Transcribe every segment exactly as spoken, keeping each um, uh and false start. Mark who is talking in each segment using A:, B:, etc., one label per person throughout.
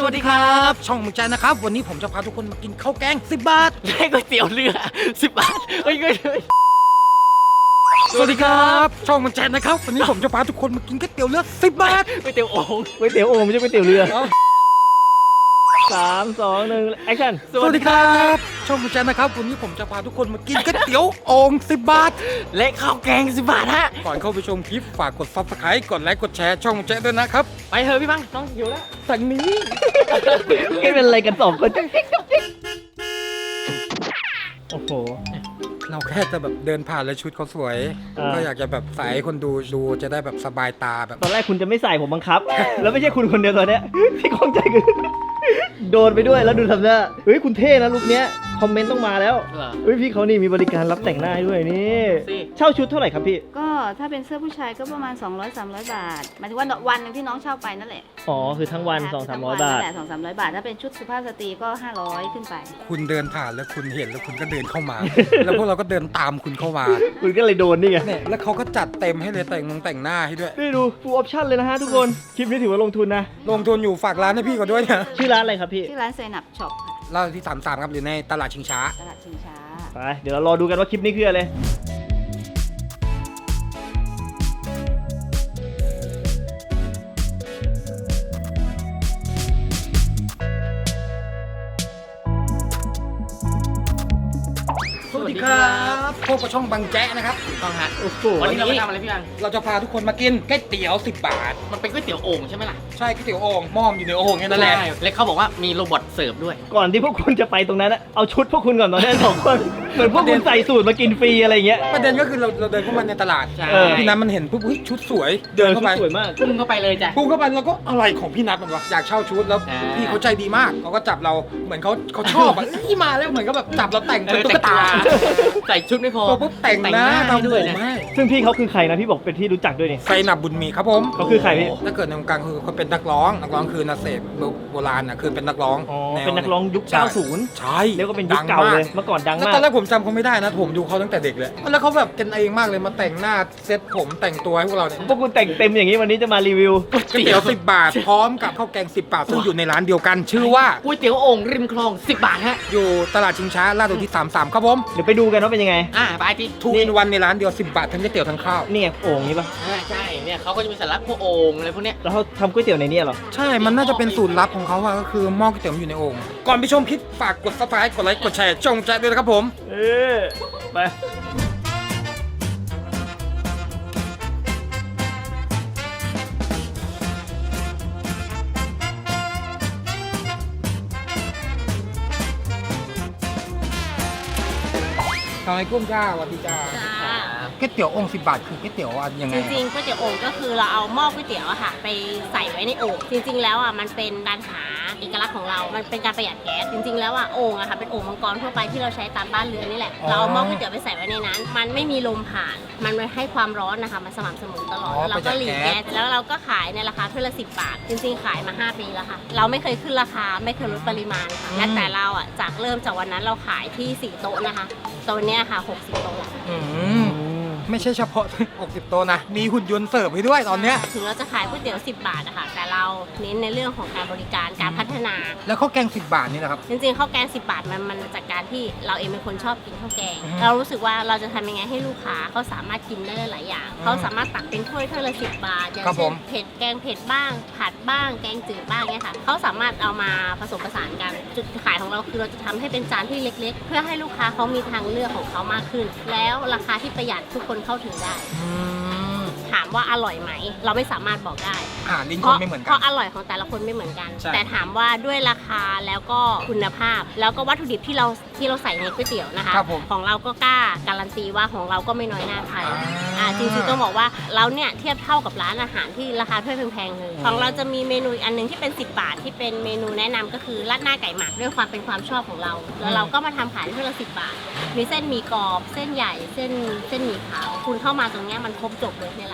A: วัสดีครับช่องมึงใจนะครับวันนี้ผมจะพาทุกคนมากินข้าวแกงสิบบาท
B: และก๋วยเตี๋ยวเรือสิบบาทเฮ้ย
A: สวัสดีครับช่องมึงใจนะครับวันนี้ผมจะพาทุกคนมากินก๋วยเตี๋ยวเรือสิบบาท
B: ก๋วยเตี๋ยวโอ่ง
C: ก๋วยเตี๋ยวโอ่งไม่ใช่ก๋วยเตี๋ยวเรือสามสองหนึ่งแอคชั่น
A: สวัสดีครับช่องมึงใจนะครับวันนี้ผมจะพาทุกคนมากินก๋วยเตี๋ยวโอ่งสิบบาท
B: และข้าวแกงสิบบาทฮะ
A: ก่อนเข้าไปชมคลิปฝากกด ซับสไครบ์ กดไลค์กดแชร์ช่องมึงใจด้วยนะครับ
B: ไปเถอะพี่บังน้องหิวแล้ว
A: สั่งนี้
C: ไม่เป็นอะไรกันสองคนโอ้โห
A: เราแค่จะแบบเดินผ่านแล้วชุดเขาสวยก็อยากจะแบบใส่ให้คนดูดูจะได้แบบสบายตาแบบ
C: ตอนแรกคุณจะไม่ใส่ผมบังคับแล้วไม่ใช่คุณคนเดียวตอนเนี้ยที่ข้องใจคือโดนไปด้วยแล้วดูทำหน้าเฮ้ยคุณเท่นะลุคเนี้ยคอมเมนต์ต้องมาแล้วเฮ้ยพี่เขานี่มีบริการรับแต่งหน้าด้วยนี่เช่าชุดเท่าไหร่ครับพี่
D: ก็ถ้าเป็นเสื้อผู้ชายก็ประมาณ สองร้อยถึงสามร้อย บาทหมายถึงว่าวันนึงที่น้องเช่าไปนั่นแหละ
C: อ๋อคือทั้งวัน สองถึงสามร้อย บาท
D: แหละ สองถึงสามร้อย บาทถ้าเป็นชุดสุภาพสตรีก็ห้าร้อยขึ้นไป
A: คุณเดินผ่านแล้วคุณเห็นแล้วคุณก็เดินเข้ามาแล้วพวกเราก็เดินตามคุณเข้ามา
C: คุณก็เลยโดนนี่ไง
A: เนี่ยแล้วเขาก็จัดเต็มให้เลยแต่งงแต่งหน้าให้ด้วย
C: นี่ดูฟูลออปชั่นเลยนะฮะทุกคนคลิปนี้ถือว่าลงทุนนะ
A: ลงทุนอยู่ฝากร้านให้พี่ก่อนด้วยนะ
C: ชื่อร้านอะไรครับพี่
D: ชื่อร้านไซนับช็อป
A: ร้านที่สามสามครับอยู่ในตลาดชิงช้า
D: ตลาดชิงช้า
C: ไปเดี๋ยวเรารอดูกันว่าคลิปนี้คืออะไร
A: สวัสดีครับพบกับช่องบังแจ๊ะนะครับ
B: ถูกต้องฮะ
C: วั
B: นนี้เราไปทำอะไรพี่บัง
A: เราจะพาทุกคนมากินก๋วยเตี๋ยวสิบบาท
B: มันเป็นก๋วยเตี๋ยวโอ่งใช่ไหมล่ะ
A: ใช่ก๋วยเตี๋ยวโอ่งหม้อมอยู่ในโอ่งนั่นแหละ
B: และเขาบอกว่ามีโรบอทเสิร์ฟด้วย
C: ก่อนที่พวกคุณจะไปตรงนั้นเอาชุดพวกคุณก่อนตอนนี้สองคนเหมือนพวกคุณใส่สูตรมากินฟรีอะไรเงี้ย
A: ประเด็นก็คือเราเราเดินเข้ามาในตลาดพี่นัทมันเห็นปุ๊บชุดสวย
C: เดินเข้าไปสวยมาก
B: พุ่งเข้าไปเลยจ้ะ
A: พุ่งเข้าไปแล้วก็อะไรของพี่นัทมันวะอยากเช่าชุดแล้วพี่เขาใจดีมากเขาก็จับเราเหมือนเขาเขาชอบอ่ะที่มาแล้วเหมือนก็แบบจับเราแต่งเป็นตุ๊กตา
B: ใส่ชุดไม่พอ
A: ปุ๊บแต่งหน้าทำผมให้
C: ซึ่งพี่เขาคือใครนะพี่บอกเป็นที่รู้จักด้วยนี่
A: ไซนับบุญมีครับผม
C: เขาคือใครพี่
A: ถ้าเกิดในวงการคือเขาเป็นนักร้องนักร้องคือนาเสพโบราณนะคือเป็นนักร้อง
C: อ๋อเป็นนักร้องยุคเก้าสิบ
A: ใช่
C: เรียกว่าเป็นยุคเก่าเลยเมื่อก่อนดังมาก
A: ตอนแรกผมจำเขาไม่ได้นะผมดูเขาตั้งแต่เด็กเลยแล้วเขาแบบเป็นเองมากเลยมาแต่งหน้าเซ็ตผมแต่งตัวให้พวกเราเนี่ย
C: พวกคุณแต่งเต็มอย่างนี้วันนี้จะมารีวิว
A: ก๋วยเตี๋ยวสิบบาทพร้อมกับข้าวแกงสิบบาทซึ่งอยู่ในร้านเดียวกันชื่อว่า
B: ก๋วยเตี๋ยวโอ่งริมคลองสิบบาทฮะ
A: อยู่ตลาดชิงช้าลาดอุทิศสามสามครับผม
C: เดี๋ยวไปดูกันว่าเป็นยังไง
B: อ่าไปที่
A: ทุกวันในร้านเดียวสิบบาททั้งก๋วยเตี๋ยวทั้งข้าว
C: นี่ไงโอ่งนี่ปะ
B: ใช่เนี่ยเขาก็จะมีสาระพวกโอ่งอะไรพวกเนี้ย
C: แล้วเขาทำก๋วยเตี๋ยวในนี้เหรอ
A: ใช่มันน่าจะเป็นสูตรลับของเขาอะก็คือหม้อก๋วยเตี๋ยวอยู่ในโอ่งก่อนไปชมคลิปฝากกด ซับสไครบ์ กดไลค์กดแชร์จงใจด้วยนะครับผม
C: เออไป
A: ทำไมกุ้งจ้าสวัสดีจ้าก๋วยเตี๋ยวโอ่งสิบบาทคือก๋วยเตี๋ยวยังไง
E: จริงๆก๋วยเตี๋ยวโอ่งก็คือเราเอาหม้อก๋วยเตี๋ยวอะค่ะไปใส่ไว้ในโอ่งจริงๆแล้วอะมันเป็นการหาเอกลักษณ์ของเรามันเป็นการประหยัดแก๊สจริงๆแล้วอะโอ่งอะค่ะเป็นโอ่งมังกรทั่วไปที่เราใช้ตามบ้านเรือนนี่แหละเราเอาหม้อก๋วยเตี๋ยวไปใส่ไว้ในนั้นมันไม่มีลมผ่านมันให้ความร้อนนะคะมันสม่ำเสมอตลอดแล้วเราก็หลีกแก๊สแล้วเราก็ขายในราคาถ้วยละสิบบาทจริงๆขายมาห้าปีแล้วค่ะเราไม่เคยขึ้นราคาไม่เคยลดปริมาณค่ะและแต่เราอะจากเริ่มจากวันนั้นเราขายที่สี่โต๊ะนะคะโต๊ะเนี้ยค่ะหกสิบโต๊ะ
A: ไม่ใช่เฉพาะหกสิบโต๊ะนะมีหุ่นยนต์เสิร์ฟให้ด้วยตอนเนี้ย
E: ถึงเราจะขายก๋วยเตี๋ยวสิบบาทอะค่ะแต่เราเน้นในเรื่องของการบริการการพัฒนา
A: แล้วข้าวแกงสิบบาทนี่นะครับ
E: จริงๆข้าวแกงสิบบาทมันมันจากการที่เราเองเป็นคนชอบกินข้าวแกงเรารู้สึกว่าเราจะทำยังไงให้ลูกค้าเขาสามารถกินได้หลายอย่างเขาสามารถตักเป็นถ้วยถ้วยละสิบบาทอย่างเช่นเผ็ดแกงเผ็ดบ้างผัดบ้างแกงจืดบ้างเนี่ยค่ะเขาสามารถเอามาผสมผสานกันจุดขายของเราคือเราจะทำให้เป็นจานที่เล็กๆเพื่อให้ลูกค้าเขามีทางเลือกของเขามากขึ้นแล้วราคาที่ประหยัดทุกคนเข้าถึงได้ถามว่าอร่อยไหมเราไม่สามารถบอกได้
A: อ่าลิ้นคนไม่เหมือนกัน
E: เพราะอร่อยของแต่ละคนไม่เหมือนกันแต่ถามว่าด้วยราคาแล้วก็คุณภาพแล้วก็วัตถุดิบที่เราที่เราใส่ในก๋วยเตี๋ยวนะคะของเราก็กล้าการันตีว่าของเราก็ไม่น้อยหน้าใครอ่าจริงๆต้องบอกว่าเราเนี่ยเทียบเท่ากับร้านอาหารที่ราคาถ้วยแพงๆเลยของเราจะมีเมนูอันนึงที่เป็นสิบบาทที่เป็นเมนูแนะนำก็คือราดหน้าไก่หมักด้วยความเป็นความชอบของเราแล้วเราก็มาทำขายที่ละสิบบาทมีเส้นหมี่กรอบเส้นใหญ่เส้นเส้นหมี่ขาวคุณเข้ามาตรงนี้มันครบจบเลยในร้าน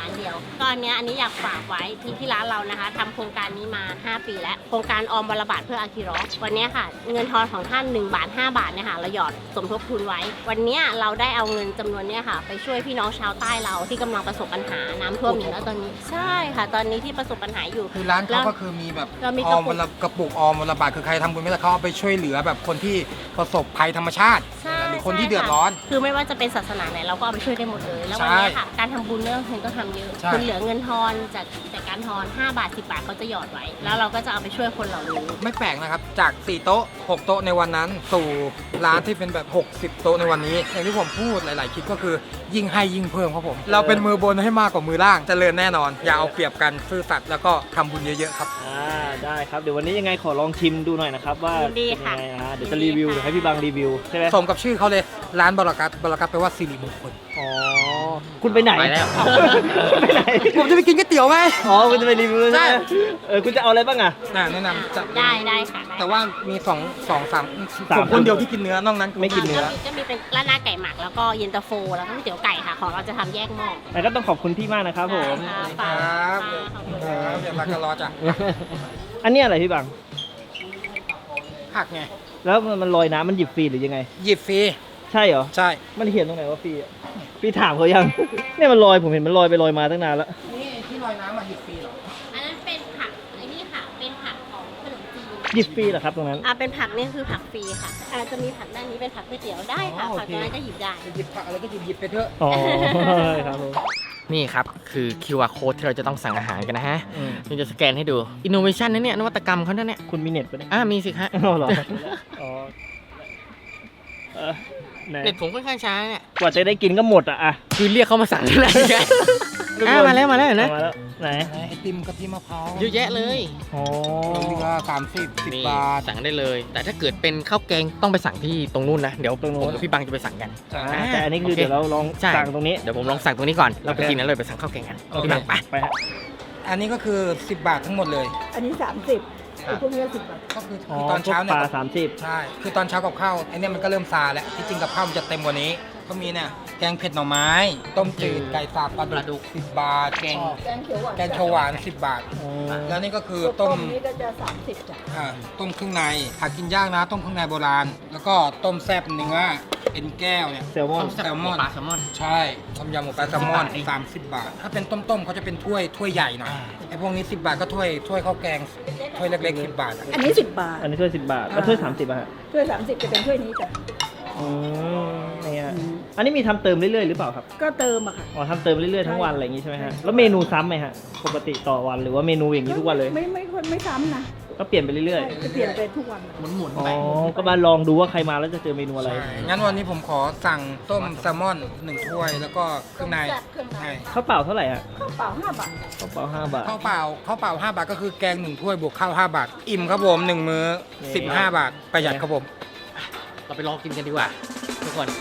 E: านเดียวก็อันเนี้ยอันนี้อยากฝากไว้ที่ที่ร้านเรานะคะทำโครงการนี้มา ห้า ปีแล้วโครงการออมวันละบาทเพื่ออาคิรอสวันเนี้ยค่ะเงินทอนของท่านหนึ่งบาทห้าบาทเนี่ยค่ะเราหยอดสมทบทุนไว้ วันเนี้ยเราได้เอาเงินจำนวนเนี้ยค่ะไปช่วยพี่น้องชาวใต้เราที่กำลังประสบปัญหาน้ำท่วมอยู่แล้วตอนนี้ใช่ค่ะ ตอนนี้ที่ประสบปัญหาอยู่
A: คือร้านเขาก็คือมีแบบ
E: เรามี
A: อก
E: ระ
A: อ
E: ปุก
A: มวันละกระปุกออมวันละบาทคือใครทำบุญไม่ได้เขาเอาไปช่วยเหลือแบบคนที่ประสบภัยธรรมชาติ
E: ใช่
A: หรือคนที่
E: ใช่
A: เดือดร้อน
E: คือไม่ว่าจะเป็นศาสนาไหนเราก็เอาไปช่วยได้หมดเลย แล้ววันเนี้ยค่ะ การทำบุญไม่ต้องเงินก็ทำเยอะ
A: ใช่
E: คุณเหลือเงินทอนจากจากการทอนห้าบาทสิบบาทเขาจะหยอดไว้ แล้วเราก็จะเอาไปช่วยคนเหล่านี้
A: ไม่แปลกนะครับจากสี่โต๊ะหกโต๊ะในวันนั้น สู่ร้านที่เป็นแบบหกสิบโต๊ะในวันนี้ อย่างที่ผมพูดหลาย ๆ คลิปก็คือยิ่งให้ยิ่งเพิ่มครับผม เราเป็นมือบนให้มากกว่ามือล่างเจริญแน่นอน อย่าเอาเปรียบกันซื่อสัตย์แล้วก็ทำบุญเยอะ ๆ ครับ
C: อ่าได้ครับเดี๋ยววันนี้ยังไงขอลองชิมดูหน่อยนะครับว่า
E: ดี
C: เป็น
E: ค่ะ
C: ยังไงอ่าเดี๋ยวจะรีวิวเดี๋ยวให้พี่บังรีวิวใช่ไหม
A: สมกับชื่อเขาเลยร้านบรกัตบรกัตแปลว่าสิริมงคล
C: อ๋อคุณไปไหน
B: ไปแล้ว
C: ไปไหน
A: ผมจะไปกินก๋วยเตี๋ยวไหม
C: อ๋อคุณจะไปรีวิวใช่ไหม
A: ใช่
C: เออคุณจะเอาอะไรบ้างอ่ะ
A: น่าแนะนำจะ
E: ได้ได้ค่ะได้
A: แต่ว่ามีสองสองสาม
C: สาม
A: ผมคนเดียวที่กินเนื้อนอกนั้น
C: ไม่กินเนื้อ
E: ก็มีก็มีเป็นราดหน้าไก่หมักแล้วก็เย็นตาโฟแล้วก็ก๋วยเตี๋ยวไก่ค่ะ ของเราจะทำแยกหม้อ
C: แต่ก็ต้องขอบคุณพี่มากนะครับผม
E: ได้
A: ค
E: ค่ะ
A: รับ
E: ขอบคุณ
A: ค
E: ค่ะ
A: รับอย่ารักกันรอจ้ะ
C: อันนี้อะไรพี่บัง
A: ผักไง
C: แล้วมันมันลอยน้ำมันหยิบฟรีหรือยังไง
A: หยิบฟรี
C: ใช่เหรอ
A: ใช่
C: มันเขียนตรงไหนว่าฟรีอ่ะพี่ถามเขายัง เนี่ยมันลอยผมเห็นมันลอยไปลอยมาตั้งนานแล้ว
A: นี่ที่ลอยน้ำมาหยิบฟรีเหรอ
E: อันนั้นเป็นผักไอ้นี่ค่ะ เป็นผักของขนมจีน
C: หยิบฟรีเหรอครับตรงนั้น
E: อ่าเป็นผักนี่คือผักฟรีค่ะอาจจะมีผักด้านนี้เป็นผักก๋วยเตี๋ยวได้ค่ะ
C: อ๋อโอ
E: ผัก
C: เค
E: ตรงนั้นก็หยิบได้
A: จะหยิบผักอะไรก็หยิบหยิบไปเถอะ
C: อ๋อครับผม
B: นี่ครับ คือ คิว อาร์ code ที่เราจะต้องสั่งอาหารกันนะฮะ
C: อืม
B: นี่จะสแกนให้ดู innovation นะเนี่ย นวัตกรรมเขาเนี่ย
C: คุณมีเน็ตปะเนี่ย
B: อ่ามีสิฮะ
C: อ๋อเหรออ๋อเออไหน
B: เน็ตผมค่อนข้างช้าเนี่ย
C: กว่าจะได้กินก็หมดอ่ะอ่ะ
B: คือเรียกเขามาสั่งที่ไหนกันอ่ามาแล้วมาแล้วเห็นไหม
C: เอามาแล้วไหน
A: ไอติมกะทิมะพร้าว
B: เยอะแยะเลย
C: อ๋อ
A: เรือสามสิบสิบ
B: นี่
A: บาท
B: สั่งได้เลย แต่ถ้าเกิดเป็นข้าวแกงต้องไปสั่งที่ตรงนู้นนะ เดี๋ยวผมกับพี่บังจะไปสั่งกัน
C: อ่าแต่อันนี้คือ
B: โอเค
C: เดี๋ยวเราลอง
B: ใช่
C: สั่งตรงนี้
B: เดี๋ยวผมลองสั่งตรงนี้ก่อนเราไป
C: โอเค
B: กินนั้นเลยไปสั่งข้าวแกงกัน
C: โอเค
B: พี่บังไป
C: ไปฮะ
A: อันนี้ก็คือสิบบาททั้งหมดเลย
F: อันนี้สามสิบไอ้พวกนี้สิบบาท
A: ก็คือ
C: อ๋อ
A: ตอนเช้า
C: พว
A: เนี่
C: ก
A: ย
C: ปลาสามสิบ
A: ใช่คือตอนเช้ากับข้าวไอเนี่ยมันก็เริ่มซาแล้วที่จริงกับข้าวมันจะเต็มกว่านี้ก็มีเนี่ยแกงเผ็ดหน่อไม้ ต้มจืดไก่สับปลาดุกสิบบาท
B: แกง
F: แกงเขียวหวาน
A: แกงเขียวหวานสิบบาท
C: อ๋อ
A: แล้วนี่ก็คือ
F: ตัวต้
A: ต้
F: ม
A: ม
F: นี้ก็จะสามสิบจ้ะ
A: อ่าต้มเครื่องในหากินยากนะต้มเครื่องในโบราณ แล้วก็ต้มแซ่บเนื้อเอ็นแก้วเนี่ย
C: แซลมอน
A: แซลมอน
B: ปลาแซลมอน
A: ใช่ต้มยำหมูปลาแซลมอน
B: สิบบาทเอง
A: สามสิบบาท ถ้าเป็นต้มๆเขาจะเป็นถ้วยถ้วยใหญ่หน่อยไอ้พวกนี้สิบบาทก็ถ้วยถ้วยข้าวแกงถ้วยเล็กๆสิบบาทอะ
F: อันนี้สิบบาท
C: อันนี้ถ้วยสิบบาทแล้วถ้วยสามสิบอ่ะฮะ
F: ถ้วยสามสิบจะเป็นถ้วยนี้จ้ะ
C: อืมเนี่ยอันนี้มีทำเติมเรื่อยๆหรือเปล่าครับ
F: ก็เติมอะค่ะ
C: อ๋อทำเติมเรื่อยๆทั้งวันอะไรอย่างงี้ใช่ไหมฮะ แล้วเมนูซ้ำไหมฮะ ปกติต่อวันหรือว่าเมนูอย่างนี้ทุกวันเลย
F: ไม่ไม่ไม่ไม่ซ้ำนะ
C: ก็เปลี่ยนไปเรื่อย
F: จะเปลี่ยนไปทุกวัน
B: หมุนหมุน
C: ๆ
B: ๆ
C: อ๋อ
B: ไป
C: ก็มาลองดูว่าใครมาแล้วจะเจอเมนูอะไร
A: ใช่งั้นวันนี้ผมขอสั่งต้มแซลมอนหนึ่งถ้วย แล้วก็เครื่องใน
F: แซ่บเครื่องใน
A: ใช่
C: ข้าวเปล่าเท่าไหร่ฮะ
F: ข้าวเปล่าห้าบาท
C: ข้าวเปล่าห้าบาท
A: ข้าวเปล่าข้าวเปล่าห้าบาทก็คือแกงหนึ่งถ้วยบวกข้าวห้าบาท อิ่มครับผมหนึ่งมื้อ
C: นี่
A: สิบห้าบาทประหยัดครับผม
B: เราไปลองกินกันดีกว่า ทุกคน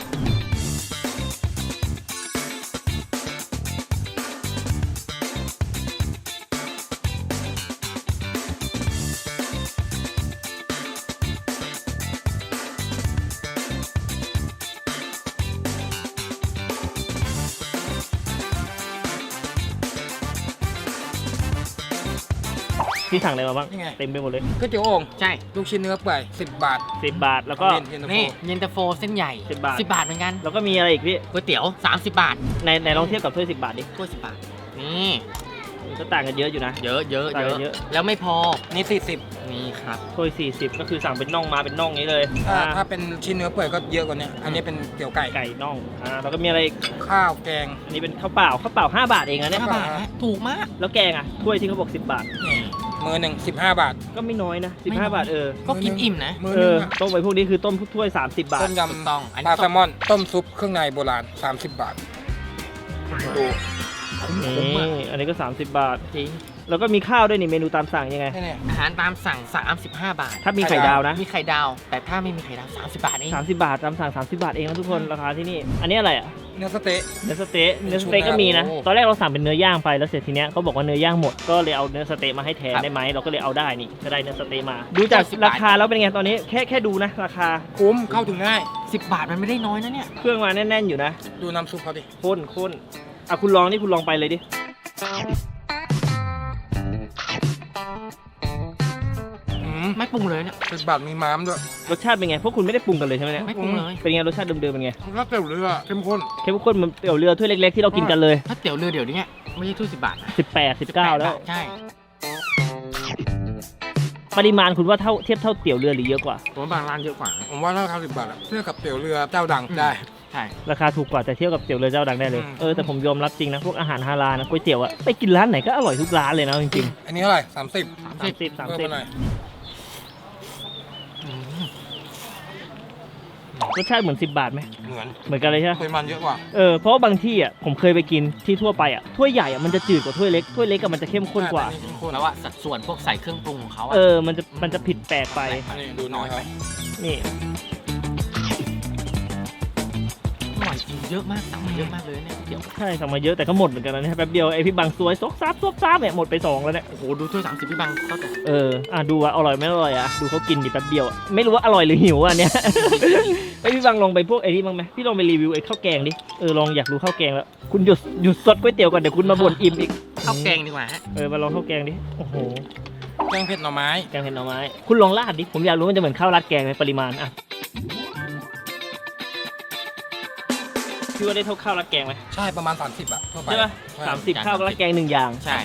C: พี่สั่งอะไรมาบ้าง
A: นี่ไง
C: เต็มไปหมดเลย
A: ก๋วยเตี๋ยวโอ่ง
B: ใช่
A: ลูกชิ้นเนื้อเปื่อยสิบบาท
C: สิบบาท แล้วก็
A: เย็นๆ
B: นี่เย็นตาโฟเส้นใหญ่
C: สิบบาท
B: สิบบาทเหมือนกัน
C: แล้วก็มีอะไรอีกพี่
B: ก๋วยเตี๋ยวสามสิบบาท
C: ในในลองเทียบกับถ้วยสิบบาทดิ
B: ถ้วยสิบบาท นี่
C: ก็ต่างกันเยอะอยู่นะ
B: เยอะเยอะ
C: ต่าง
B: เย
C: กันเย
B: อะ
C: อะ
B: แล้วไม่พอ
A: นี่สี่สิบ
B: นี่ครับ
C: ถ้วยสี่สิบก็คือสั่งเป็นน่องมาเป็นน่องนี้เลย
A: ถ้า
C: อ่า
A: ถ้าเป็นชิ้นเนื้อเปื่อยก็เยอะกว่านี้อันนี้เป็นเตี๋ยวไก่
C: ไก่น่อง อ่า แล้วก็มีอะไรอีก
A: ข้าวแกง
C: อันนี้เป็นข้าวเปล่า ข้าวเปล่าห้าบาทเองนะเนี่ย
B: ห้าบาทฮะถูกมาก
C: แล้วแกงอ่ะ ถ้วยที่เขาบอกสิบบาท
A: มือหนึ่งสิบห้าบาท
C: ก็ไม่น้อยนะ
B: ไม่น้อย
C: สิบห้า บาทเออ
B: ก็กินอิ่มนะ
A: มือ
C: เอ
A: หนึ่
C: อ
A: งอะ
C: ต้มไปพวกนี้คือต้มถ้วยสามสิบบาท
A: ต้มย
B: ถูกต้องอัน
A: ำ
B: นี้
A: ปลาแซลมอน ต้มซุปเครื่องในโบราณสามสิบบาทดู
C: นี่อันนี้ก็สามสิบบาท
B: จริง
C: แล้วก็มีข้าวด้วยนี่เมนูตามสั่งยังไง
A: แค่นี้
B: อาหารตามสั่งสามสิบห้าบาท
C: ถ้ามีไข่ดาวนะ
B: มีไข่ดาว แต่ถ้าไม่มีไข่ดาวสามสิบบาทเอง
C: สามสิบบาทตามสั่งสามสิบบาทเองนะทุกคนราคาที่นี่ อันนี้อะไรอ่ะ
A: เนื้อสะเต๊ะ
C: เนื้อสเต๊ะเนื้อสเต๊ะก็มีนะ ตอนแรกเราสั่งเป็นเนื้อย่างไปแล้วเสร็จทีเนี้ยเขาบอกว่าเนื้อย่างหมด ก็เลยเอาเนื้อสเต๊ะมาให้แทนได้ไหมเราก็เลยเอาได้นี่ก็ได้เนื้อสเต๊ะมา ดูจากราคาแล้วเป็นไงตอนนี้แค่แค่ดูนะราคา
A: คุ้มเข้าถึงง่าย
B: สิบบาทมันไม่ได้น้อยนะเนี่ย
C: เครื่องมาแน่นๆอยู่นะ
A: ดูน้ำซุปเขาดิ
C: ข้นข้นอ่ะคุณลองนี่คุณลองไปเลยดิ
A: อืม
B: ไม่ปรุงเลยเนี่ย
A: สิบบาทมีม้ามด้วย
C: รสชาติเป็นไงพวกคุณไม่ได้ปรุงกันเลยใช่ไหมเนี่ย
B: ไม่ปรุงเลย
C: เป็นไงรสชาติเดิมๆเป็นไง
A: ก็เตี๋ยวเรือเข้มข้น
C: เข้มข้นเหมือนเตี๋ยวเรือถ้วยเล็กๆที่เรากินกันเลย
B: ถ้าเตี๋ยวเรือเดี๋ยวนี้ไม่ใช่ถ้วยสิบบาทนะ
C: สิบแปด สิบเก้า แล้ว
B: ใช่
C: ปริมาณคุณว่าเท่าเทียบเท่าเตี๋ยวเรือหรือเยอะกว่า
B: ผมว่าบางร้านเยอะกว่า
A: ผมว่าราคาสิบบาทอะเทียบกับเตี๋ยวเรือเจ้าดังได้
B: ใช่
C: ราคาถูกกว่าแต่เทียบกับเตี๋ยวเรือเจ้าดังได้เลย
A: อืม
C: เออแต่ผมยอมรับจริงนะพวกอาหารฮาลาลนะก๋วยเตี๋ยวอะไปกินร้านไหนก็อร่อยทุกร้านเลยนะจริง
A: อันนี้เท่าไหร่สามสิบ
C: ๆสามสิบสาม
A: เพิ่ม
C: สิบ
A: มาหน่อย
C: รสชาติเหมือนสิบบาทไหม
A: เหมือน
C: เหมือนกันเลยใช่ไหม
A: ปริมาณเยอะกว่า
C: เออเพราะว่าบางที่อ่ะผมเคยไปกินที่ทั่วไปอ่ะถ้วยใหญ่อ่ะมันจะจืดกว่าถ้วยเล็กถ้วยเล็กกับมันจะเข้มข้นกว่า
A: อัเข้มข้น
B: แล้วว่าสัดส่วนพวกใส่เครื่องปรุงของเขาอะ
C: เออมันจะมันจะผิดแปลกไป
A: อันนี้ดูน้อยครับ
C: นี่
B: อร่อยจริงเยอะมากสั่งมาเยอะมากเลยเนี่ยเดี๋ยว
C: ใช่สั่งมาเยอะแต่ก็หมดเหมือนกันนะเนี่ยแป๊บเดียวไอพี่บางซวยซกซับซกซับเนี่ยหมดไปสองแล้วเนี่ย
B: โอ้โหดูถ้วยสามสิบพี่บังเขาแต่
C: เอออ่ะดูว่าอร่อยไม่อร่อยอ่ะดูเขากินดิแป๊บเดียวอะไม่รู้ว่าอร่อยหรือหิวอ่ะเนี่ย ไอพี่บางลองไปพวกไอ้นี่บ้างไหมพี่ลองไปรีวิวไอ้ข้าวแกงดิเออลองอยากรู้ข้าวแกงแล้วคุณหยุดหยุดซดก๋วยเตี๋ยวก่อนเดี๋ยวคุณมาบ่นอิ่มอีก
B: ข้าวแกงดีกว่าฮะ
C: เออมาลองข้าวแกงดิโอ้โห
A: แกงเผ็ดหน่อไม้
C: แกงเห็ดหน่อไม้คุณลองราดดิผมอยากรู้มันจะเหมือนข้าวราดแกงไหมปริมาณอ่ะพี่ว่าได้เท่าข้าวราดแกงไหม
A: ใช่ประมาณสามสิบอะทั่วไป
C: ใช่ปะ
A: ใช่
C: สามสิบข้าวราดแกงหนึ่งอย่าง
B: ใช่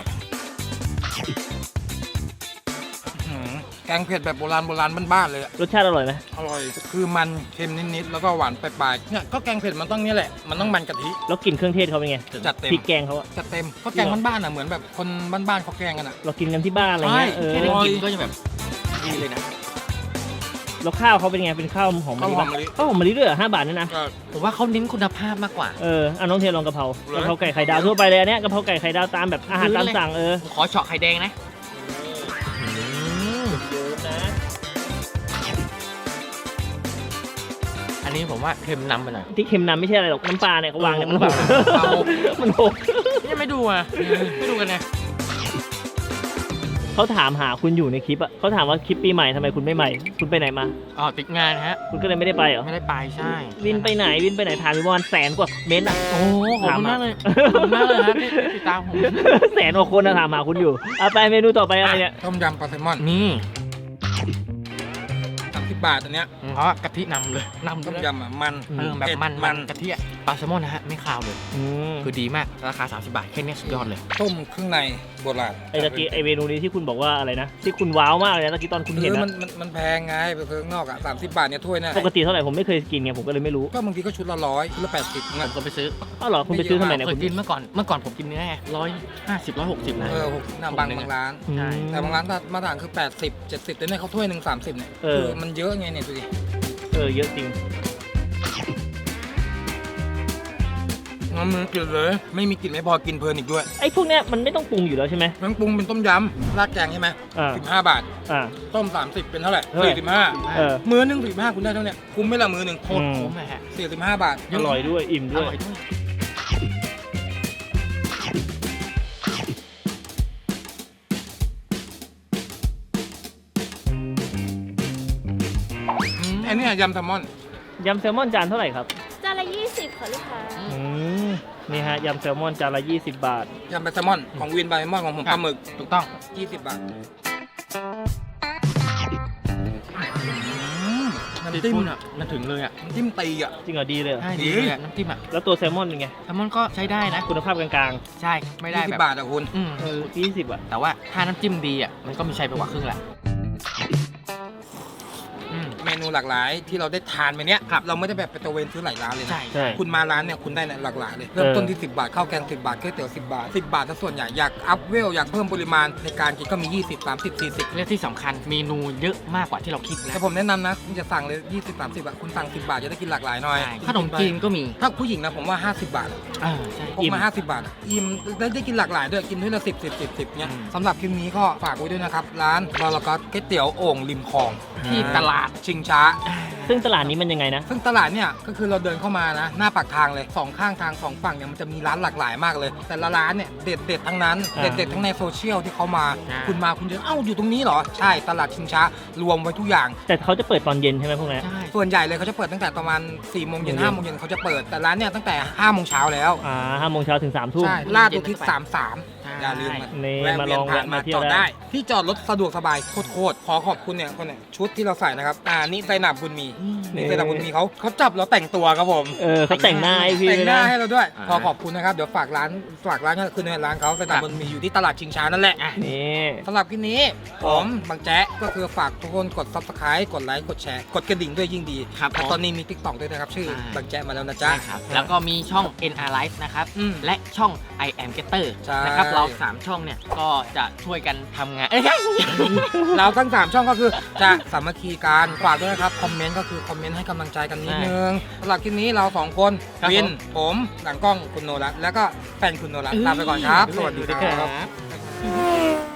A: อืมแกงเผ็ดแบบโบราณโบราณบ้านๆเลยอะ
C: รสชาติอร่อยไหม
A: อร่อยคือมันเค็มนิดๆแล้วก็หวานปลายๆเนี่ยก็แกงเผ็ดมันต้องเนี้ยแหละมันต้องมันกะทิ
C: แล้วกลิ่นเครื่องเทศเขาเป็นไง
A: จัดเต็ม
C: พริกแกงเขาอะ
A: จัดเต็มก็แกงบ้านๆอะเหมือนแบบคนบ้านๆเขาแกงกันอะ
C: เรากินกันที่บ้านอะไรเงี้ย
A: ใช่
C: เออ
B: แค่ได้
A: ร่ย
B: กินก็จะแบบดีเลยนะ
C: แล้วข้าวเขาเป็นไงเป็นข้าวหอมมะลิ
A: ข้าวหอมมะลิ
C: ข้าวหอมมะลิด้วยเหรอห้าบาทเนี่ยนะ
A: ก็
B: ผมว่าเขาเน้นคุณภาพมากกว่า
C: เออเอาน้องเทลองกะเพรา
A: เลย
C: กะเพราไก่ไข่ดาวทั่วไปเลยอันเนี้ยกะเพราไก่ไข่ดาวตามแบบอาหารตามสั่งเออ
B: ผมขอเฉาะไข่แดงนะ
C: นะ
B: อันนี้ผมว่าเค็มนำไปหน่อย
C: ที่เค็มนำไม่ใช่อะไรหรอกน้ำปลาเนี่ยเขาวางเนี่ยมันหก
B: เอา
C: มันหก
B: นี่ไม่ดูอ่ะไม่ดูกันเนี่ย
C: เขาถามหาคุณอยู่ในคลิปอะเขาถามว่าคลิปปีใหม่ทำไมคุณไม่ใหม่ คุณไปไหนมา
B: อ๋อติดงานฮะ
C: คุณก็เลยไม่ได้ไปเหรอ
B: ไม่ได้ไปใช่
C: วินไปไหนวินไปไหนถามอยู่ประมาณแสนกว่าเม้นต์อะ
B: โอ้ขอบคุณมากเลยขอบคุณมากเลยนะที่ติดตามผม
C: แสนกว่าคนนะถามหาคุณอยู่เอาไปเมนูต่อไปอะไรเนี่ย
A: ต้มยำปลาแซลมอน
B: นี่
A: สามสิบบาทอันเนี้ย
B: เพราะว่ากะทินำเลยนำ
A: ต้ม
B: เลย
A: ยำอะมัน
B: เออแบบ
A: เผ็ด
B: มันมันกะทิอะปลาแซลมอนนะฮะไม่คาวเลย
C: อืม
B: คือดีมากราคาสามสิบบาทแค่นี้สุดยอดเลย
A: ต้มเครื่องในโบราณ
C: ไอ้ตะกี้ไอ้เมนูนี้ที่คุณบอกว่าอะไรนะที่คุณว้าวมากเลยนะตะกี้ตอนคุณเห็น
A: คือมั
C: นะ
A: นมันมันแพงไงไปซื้อข้างนอกอ่ะสามสิบบาทเนี่ยถ้วยเนี่ย
C: ปกติเท่าไหร่ผมไม่เคยกินไงผมก็เลยไม่รู้
A: ก็บางทีก็ชุดละร้อยชุดละแปดสิบ
B: ผ
A: เงี้ย
B: มก็ไปซื้อ
C: อ้าวเหรอคุณไปซื้อทำไมเนี่ย
B: เค
C: คุ
B: ย
C: ณ
B: กินเมื่อก่อนเมื่อก่อนผมกินเนื้อร้อยห้าสิบร้อยหกสิบนะ
A: เออหกนะบางบางร้าน
C: อืม
B: ใช่
A: แต่บางร้านมาตรฐานคือแปดสิบเจ็ดสิบแต่เนี่ยเขาถ้วยหนึ่งสามสิบเนี่ย
C: เออ
A: คือมันเยอะไงเนี่ยดูดิ
C: เออเยอะจริง
A: มันมีกลิ่นเลย ไม่มีกลิ่นไม่พอกินเพลินอีกด้วย
C: ไอ้พวกเนี้ยมันไม่ต้องปรุงอยู่แล้วใช่ไหม
A: แมงปรุงเป็นต้มยำราดแกงใช่ไหม
C: อ่า
A: สิบห้าบาท
C: อ่า
A: ต้มสามสิบเป็นเท่าไหร่
C: เท่าไหร่
A: สี่สิบห้า
C: เออ
A: มื้อหนึงสี่สิบห้าคุณได้เท่าเนี้ยคุ้มไหมล่ะมื้อหนึ่ง
B: โคตรคุ้มเลยฮะ
A: สี่สิบห้าบาท
C: อร่อยด้วยอิ่ม
B: อ
C: ด้วย
B: ร่อยด้วย
A: อันนี้ยำแซลมอน
C: ยำแซลมอนจานเท่าไหร่ครับ
D: จานละยี่สิบค่ะลูกค้า
C: อืมนี่ฮะยำแซลมอนจานละยี่สิบบาท
A: ยำแซลมอนของวินบายแซลมอนของผมปลาหมึก
B: ถูกต้อง
A: ยี่สิบบาทน้ำ
B: ซี
A: จิ้ม
B: ฟู้ดอ่ะมันถึงเลยอ่ะ
A: น้ำจิ้มตีอ่ะ
C: จริงเหรอดีเลยเหรอ
B: ใช่ดีเลยอะน้ำจิ้มอ่ะ
C: แล้วตัวแซลมอนเป็นไง
B: แซลมอนก็ใช้ได้นะ
C: คุณภาพกลาง
B: ใช่ไม่ได้
A: ยี่สิ
B: แบบ
A: บบาทอ่ะคุณ
B: อืม
C: ๆเออยี่สิบอ่ะ
B: แต่ว่าถ้าน้ำจิ้มดีอ่ะมันก็มีใช้ไปกว่าครึ่งแหละอืม
A: เมนูหลากหลายที่เราได้ทานไปเนี้ยครับเราไม่ได้แบบไปตระเวนซื้อหลายร้านเลยนะ
B: ใช่
C: ใช่
A: คุณมาร้านเนี่ยคุณได้หลากหลายเลยเริ่มต้นที่สิบบาทข้าวแกงสิบบาทก๋วยเตี๋ยวสิบบาทสิบบาทถ้าส่วนใหญ่อยากอัพเวลอยากเพิ่มปริมาณในการกินก็มียี่สิบ สามสิบ สี่สิบ
B: และที่สำคัญเมนูเยอะมากกว่าที่เราคิดนะ
A: แต่ผมแนะนำนะคุณจะสั่งเลยยี่สิบ สามสิบอะคุณสั่งสิบบาทจะได้กินหลากหลายหน่อย
B: ใช่ขนมจีนก็มี
A: ถ้าผู้หญิงนะผมว่าห้าสิบบาท
B: เออใช่
A: พกมาห้าสิบบาทอะอิ่มได้ได้กินหลากหลายด้วยกินด้วยละสิบ สิบ สิบ สิบเนี่ย
B: อืม
A: สำหรับคลิปนี้ก็ฝากไว้ด้วยนะครับร้านบอลก็ก๋วยเตี๋ยวโอ่งริมคลอง
B: ที่ตลาด
A: ชิงช้า
C: ซึ่งตลาดนี้มันยังไงนะ
A: ซึ่งตลาดเนี่ยก็คือเราเดินเข้ามานะหน้าปากทางเลยสองข้างทางสองฝั่งเนี่ยมันจะมีร้านหลากหลายมากเลย แต่ละร้านเนี่ยเด็ดเด็ดๆทั้งนั้น
C: อ่า
A: เด็ดเด็ดๆทั้งในโซเชียลที่เขามา
B: อ่า
A: คุณมาคุณจะเอ้าอยู่ตรงนี้เหรอใช่ตลาดชิงช้ารวมไว้ทุกอย่าง
C: แต่เขาจะเปิดตอนเย็นใช่ไหมพวกนี้
B: ใช่
A: ส่วนใหญ่เลยเขาจะเปิดตั้งแต่ประมาณสี่โมงเย็น
C: โมงเย็น
A: ห้าโมงเย็นเขาจะเปิดแต่ร้านเนี่ยตั้งแต่ห้าโมงเช้าแล้ว
C: อ่าห้าโมงเช้าถึงสามทุ่ม
A: ใช่ลาดอุทิศสามสามอย่าลืมมา
C: นี่
A: แวะ
C: มา
A: เวี
C: ล
A: ยน
C: อง
A: ผ่าน
C: แวะ
A: มา
C: มาเที่ย
A: จ
C: ว
A: อด
C: ได้
A: ได้ที่จอดรถสะดวกสบายโคตรๆขอขอบคุณเนี่ยคนเนี่ยชุดที่เราใส่นะครับอ่านี่ไซนับบุญมีนี่ไซนับบุญมีเขาเขาจับเราแต่งตัวครับผม
C: เออเขาแต่งหน้าให้พี่
A: แต่ง
C: ด้วย
A: หน้า
C: นะ
A: ให้เราด้วย
B: อ่า
A: ขอขอบคุณนะครับเดี๋ยวฝากร้านฝากร้านก็คือในร้านเขาไซนับบุญมีอยู่ที่ตลาดชิงช้านั่นแหละ
C: นี่
A: สำหรับคลิปนี้ผมบางแจ๊ะก็คือฝากทุกคนกด ซับสไครบ์ กดไลค์กดแชร์กดกระดิ่งด้วยยิ่งดี
B: ครับ
A: และ
B: ผม
A: ตอนนี้มี ติ๊กต็อก ด้วยนะครับชื่อ
B: ใช่
A: บางแจ๊ะมาแล้วนะจ๊ะ
B: ใช่ครับแล้วก็มีช่อง เอ็น อาร์ Live นะครับ
A: อืม
B: และช่อง I am Getter
A: ใช่
B: นะครับเราสามช่องเนี่ยก็จะช่วยกันทำงานเอ้ย
A: เราทั้งสามช่องก็คือจะสามัคคีกันฝากด้วยนะครับคอมเมนต์ก็คือคอมเมนต์ให้กำลังใจกันนิดนึงสำหรับคลิปนี้เราสองคน
B: ครับ
A: วิน
B: ผม
A: ผมหลังกล้องคุณโนรัตแล้วก็แฟนคุณโนรัตลาไปก่อนครับ สวัสดีครับ
B: ครับ